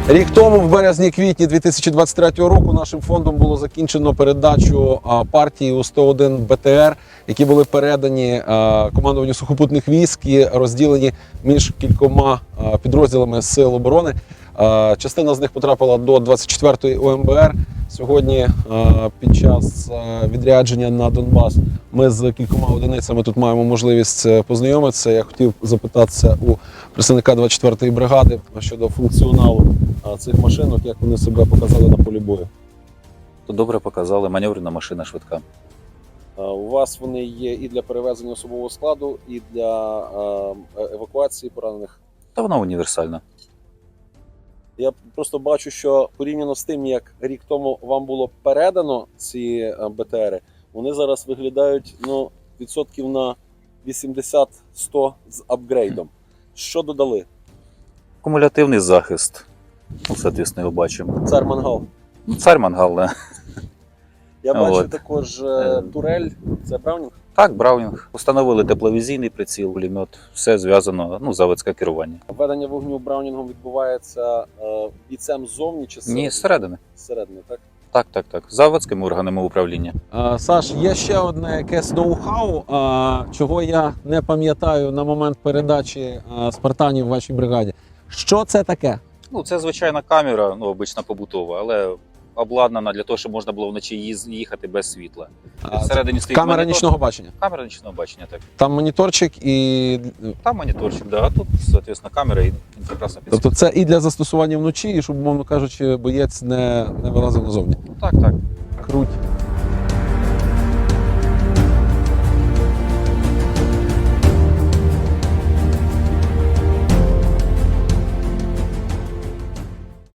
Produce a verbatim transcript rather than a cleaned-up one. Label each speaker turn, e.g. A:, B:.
A: Рік тому, в березні-квітні дві тисячі двадцять третього року, нашим фондом було закінчено передачу партії У сто один Б Т Р, які були передані командуванню сухопутних військ і розділені між кількома підрозділами Сил оборони. Частина з них потрапила до двадцять четвертої О М Б Р. Сьогодні під час відрядження на Донбас ми з кількома одиницями тут маємо можливість познайомитися. Я хотів запитатися у представника двадцять четвертої бригади щодо функціоналу цих машинок, як вони себе показали на полі бою.
B: То добре показали, маневрена машина швидка.
A: У вас вони є і для перевезення особового складу, і для евакуації поранених?
B: Та вона універсальна.
A: Я просто бачу, що порівняно з тим, як рік тому вам було передано ці Б Т Ери, вони зараз виглядають ну, відсотків на вісімдесят-сто з апгрейдом. Що додали?
B: Кумулятивний захист. Ну, соответственно, його бачимо.
A: Цар Мангал.
B: Ну, цар Мангал, да.
A: Я бачу
B: От.
A: також е, турель. Це Браунінг?
B: Так, Браунінг. Установили тепловізійний приціл, пулемет. Все зв'язано, ну, заводське керування.
A: Ведення вогню Браунінгом відбувається е, бійцем ззовні чи зсередини?
B: Ні, зсередини.
A: Зсередини, так?
B: Так, так, так. Заводськими органами управління.
A: А, Саш, є ще одне якесь ноу-хау, а, чого я не пам'ятаю на момент передачі а, спартанів в вашій бригаді. Що це таке?
B: Ну, це звичайна камера, ну, обична побутова, але обладнана для того, щоб можна було вночі їз- їхати без світла.
A: А,
B: Всередині стоїть
A: Камера
B: монітор.
A: нічного бачення.
B: Камера нічного бачення, так.
A: Там моніторчик і.
B: Там моніторчик, да, а тут, соответственно, камера і прекрасно підсвітлює.
A: Тобто це і для застосування вночі, і щоб, умовно кажучи, боєць не, не вилазив назовні.
B: Так, так.
A: Круть.